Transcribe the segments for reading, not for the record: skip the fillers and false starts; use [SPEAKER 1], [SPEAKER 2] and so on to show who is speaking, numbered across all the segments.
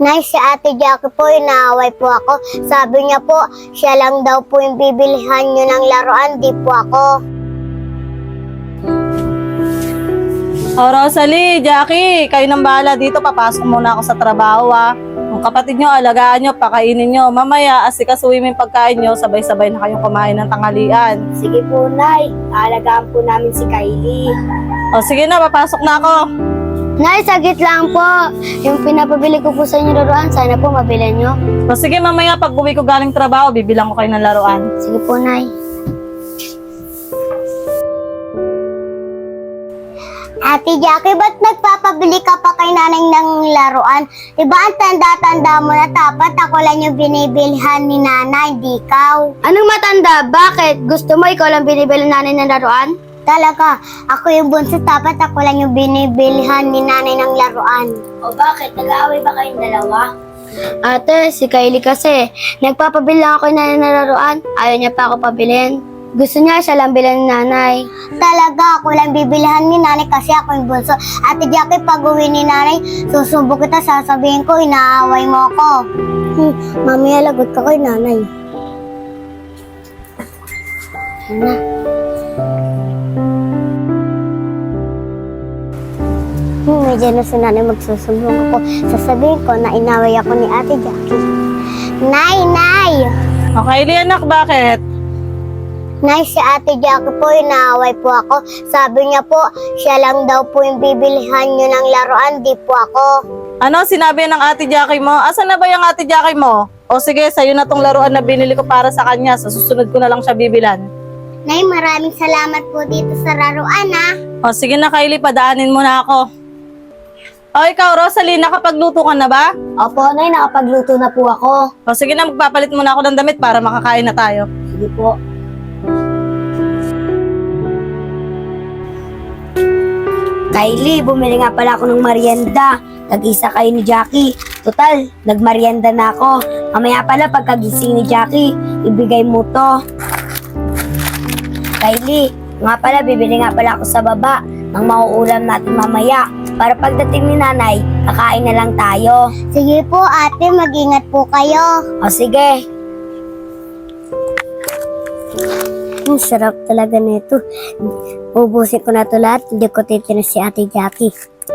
[SPEAKER 1] Nay, si Ate Jackie po, inaaway po ako. Sabi niya po, siya lang daw po yung bibilihan niyo ng laruan, di po ako.
[SPEAKER 2] O Rosalie, Jackie, kayo nang bahala dito. Papasok muna ako sa trabaho Ang kapatid nyo, alagaan nyo, pakainin nyo. Mamaya, asikasuhin mo yung pagkain nyo, sabay-sabay na kayong kumain ng tanghalian.
[SPEAKER 1] Sige po, Nay. Aalagaan po namin si Kylie.
[SPEAKER 2] O sige na, papasok na ako.
[SPEAKER 1] Nay, sagit lang po. Yung pinapabili ko po sa inyo laruan, sana po mabili nyo.
[SPEAKER 2] O sige, mamaya pag uwi ko galing trabaho, bibilang ko kayo ng laruan.
[SPEAKER 1] Sige po, Nay. Ate Jackie, ba't nagpapabili ka pa kay nanay ng laruan? Diba ang tanda-tanda mo na dapat ako lang yung binibilihan ni nanay, di ikaw? Anong matanda? Bakit? Gusto mo ikaw lang binibili nanay ng laruan? Talaga, ako yung bunso, dapat ako lang yung binibilihan ni nanay ng laruan. O bakit? Nag-aaway ba kayong dalawa? Ate, si Kylie kasi, nagpapabili lang ako ng nanay ng laruan. Ayaw niya pa ako pabilin. Gusto niya siya lang bilhan ni nanay. Talaga, ako lang bibilihan ni nanay kasi ako yung bunso. Ate Jackie, pag uwi ni nanay, susubo kita, sasabihin ko, inaaway mo ako. Mamaya lagot ka kay nanay. Yan na. Medyo na si nanay magsusumbong ako. Sasabihin ko na inaway ako ni Ate Jackie. Nay!
[SPEAKER 2] O Kylie, anak, bakit?
[SPEAKER 1] Nay, si Ate Jackie po, inaaway po ako. Sabi niya po, siya lang daw po yung bibilihan niyo ng laruan, di po ako.
[SPEAKER 2] Ano, sinabi ng Ate Jackie mo? Asan na ba yung Ate Jackie mo? O sige, sa'yo na tong laruan na binili ko para sa kanya. Sa susunod ko na lang siya bibilan.
[SPEAKER 1] Nay, maraming salamat po dito sa laruan,
[SPEAKER 2] O sige na, Kylie, padaanin mo na ako. O ikaw, Rosalie, nakapagluto ka na ba?
[SPEAKER 1] Opo, Nay, nakapagluto na po ako.
[SPEAKER 2] O sige na, magpapalit muna ako ng damit para makakain na tayo.
[SPEAKER 1] Sige po. Kylie, bumili nga pala ako ng merienda. Nag-isa kayo ni Jackie. Total, nagmerienda na ako. Mamaya pala pagkagising ni Jackie, ibigay mo to. Kylie, nga pala bibili nga pala ako sa baba ng mauulam natin mamaya. Para pagdating ni nanay, kakain na lang tayo. Sige po ate, mag-ingat po kayo. O sige. Ang sarap talaga nito. Ubusin ko na ito lahat, hindi ko titinis si Ate Jackie.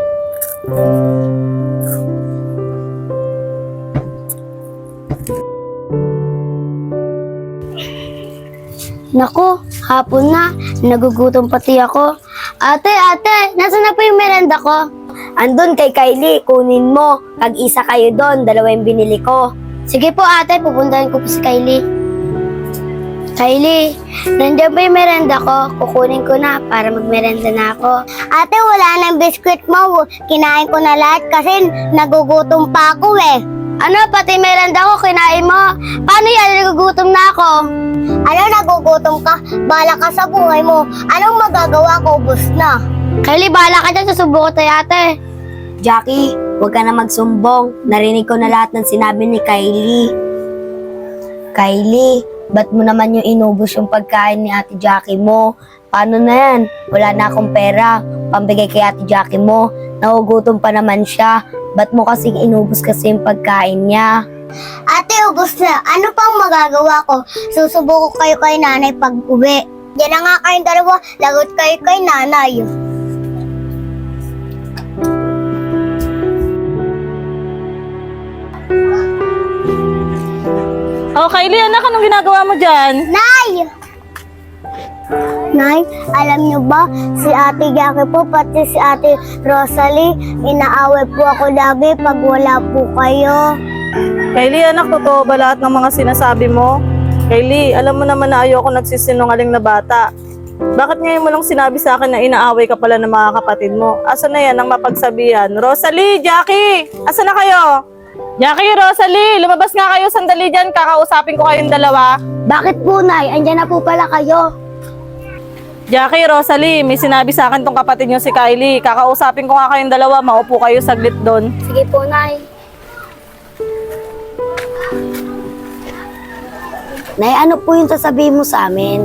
[SPEAKER 1] Naku, hapon na. Nagugutom pati ako. Ate, nasaan na po yung merenda ko? Andun kay Kylie, kunin mo. Pag-isa kayo doon, dalawa yung binili ko. Sige po ate, pupuntahan ko po si Kylie. Kylie, nandiyan ba yung merenda ko? Kukunin ko na para magmerenda na ako. Ate, wala nang biskwit mo. Kinain ko na lahat kasi nagugutom pa ako eh. Ano, pati merenda ko kinain mo? Paano yan? Nagugutom na ako. Ano, nagugutom ka? Bala ka sa buhay mo. Anong magagawa ko? Ubus na. Kylie, bala ka dyan. Susubo ko tayo ate. Jackie, huwag ka na magsumbong. Narinig ko na lahat ng sinabi ni Kylie. Kylie, ba't mo naman yung inubos yung pagkain ni Ate Jackie mo? Paano na yan? Wala na akong pera. Pambigay kay Ate Jackie mo. Nagugutom pa naman siya. Ba't mo kasing inubos kasi yung pagkain niya? Ate, ubos na. Ano pang magagawa ko? Susubo ko kayo kay nanay pag uwi. Diyan na nga kayong dalawa. Lagot kayo kay nanay.
[SPEAKER 2] O Kylie, anak, anong ginagawa mo dyan?
[SPEAKER 1] Nay! Nay, alam niyo ba, si Ate Jackie po, pati si Ate Rosalie, inaaway po ako lagi pag wala po kayo.
[SPEAKER 2] Kylie, anak, totoo ba lahat ng mga sinasabi mo? Kylie, alam mo naman na ayoko nagsisinungaling na bata. Bakit ngayon mo lang sinabi sa akin na inaaway ka pala ng mga kapatid mo? Asa na yan ang mapagsabihan? Rosalie, Jackie, asa na kayo? Jackie, Rosalie, lumabas nga kayo sandali dyan. Kakausapin ko kayong dalawa.
[SPEAKER 1] Bakit po, Nay? Andyan na po pala kayo.
[SPEAKER 2] Jackie, Rosalie, may sinabi sa akin tong kapatid nyo si Kylie. Kakausapin ko nga kayong dalawa. Maupo kayo saglit doon.
[SPEAKER 1] Sige po, Nay. Nay, ano po yung sasabihin mo sa amin?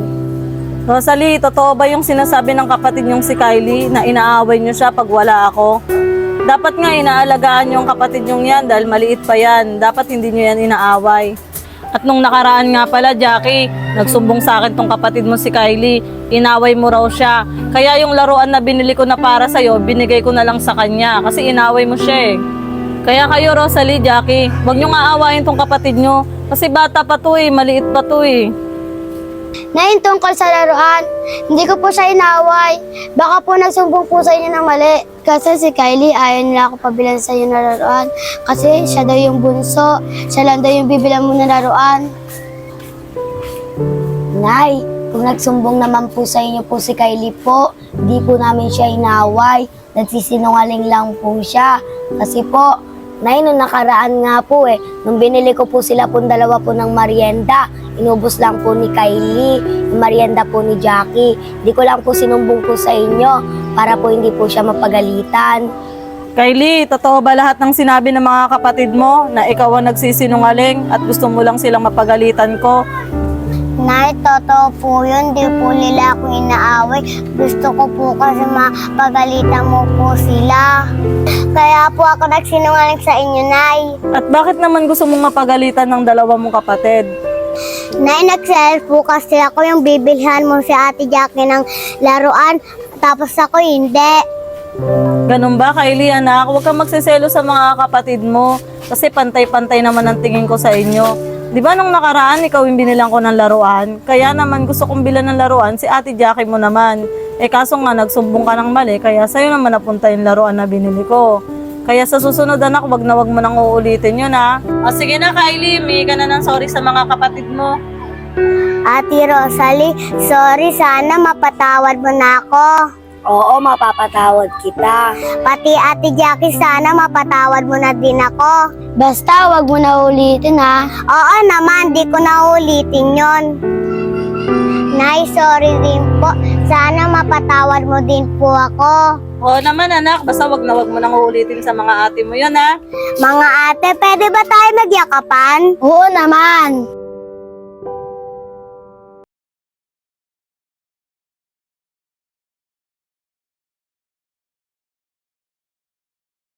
[SPEAKER 2] Rosalie, totoo ba yung sinasabi ng kapatid nyong si Kylie na inaaway nyo siya pag wala ako? Dapat nga inaalagaan yung kapatid nyong yan dahil maliit pa yan. Dapat hindi nyo yan inaaway. At nung nakaraan nga pala, Jackie, nagsumbong sa akin tong kapatid mo si Kylie. Inaway mo raw siya. Kaya yung laruan na binili ko na para sa'yo, binigay ko na lang sa kanya kasi inaway mo siya eh. Kaya kayo, Rosalie, Jackie, huwag nyo nga aawayin tong kapatid nyo. Kasi bata pa to eh, maliit pa to eh.
[SPEAKER 1] Nay, tungkol sa laruan, hindi ko po siya inaway. Baka po nagsumbong po sa inyo ng mali. Kasi si Kylie, ayaw nila ako pabilan sa inyo ng laruan. Kasi siya daw yung bunso. Siya lang daw yung bibilan mo ng laruan. Nay, kung nagsumbong naman po sa inyo po si Kylie po, hindi po namin siya inaway. Nagsisinungaling lang po siya. Kasi po, Nay, nung nakaraan nga po nung binili ko po sila pong dalawa po ng merienda, inubos lang po ni Kylie, yung merienda po ni Jackie. Di ko lang po sinumbong po sa inyo para po hindi po siya mapagalitan.
[SPEAKER 2] Kylie, totoo ba lahat ng sinabi ng mga kapatid mo na ikaw ang nagsisinungaling at gusto mo lang silang mapagalitan ko?
[SPEAKER 1] Nay, totoo po yun. Di po nila ako inaaway. Gusto ko po kasi mapagalitan mo po sila. Kaya po ako nagsinungaling sa inyo, Nay.
[SPEAKER 2] At bakit naman gusto mong mapagalitan ng dalawa mong kapatid?
[SPEAKER 1] Nay, nag-sell po kasi ako yung bibilhan mo si Ate Jackie ng laruan. Tapos ako hindi.
[SPEAKER 2] Ganun ba, Kylie, anak? Huwag kang magsiselo sa mga kapatid mo kasi pantay-pantay naman ang tingin ko sa inyo. Di ba nung nakaraan, ikaw yung binilang ko ng laruan? Kaya naman gusto kong bilan ng laruan, si Ate Jackie mo naman. Eh kaso nga, nagsumbong ka ng mali, kaya sa'yo naman napunta yung laruan na binili ko. Kaya sa susunod, anak, wag mo nang uulitin yun, ha? O sige na, Kylie, may ka na ng sorry sa mga kapatid mo.
[SPEAKER 1] Ate Rosalie, sorry. Sana mapatawad mo na ako. Oo, mapapatawad kita. Pati Ate Jackie, sana mapatawad mo na din ako. Basta, wag mo na ulitin, ha? Oo naman, di ko na ulitin yon. Nay, sorry din po. Sana mapatawad mo din po ako.
[SPEAKER 2] Oo naman, anak, basta wag mo nang uulitin sa mga ate mo yun, ha?
[SPEAKER 1] Mga ate, pwede ba tayo magyakapan? Oo naman.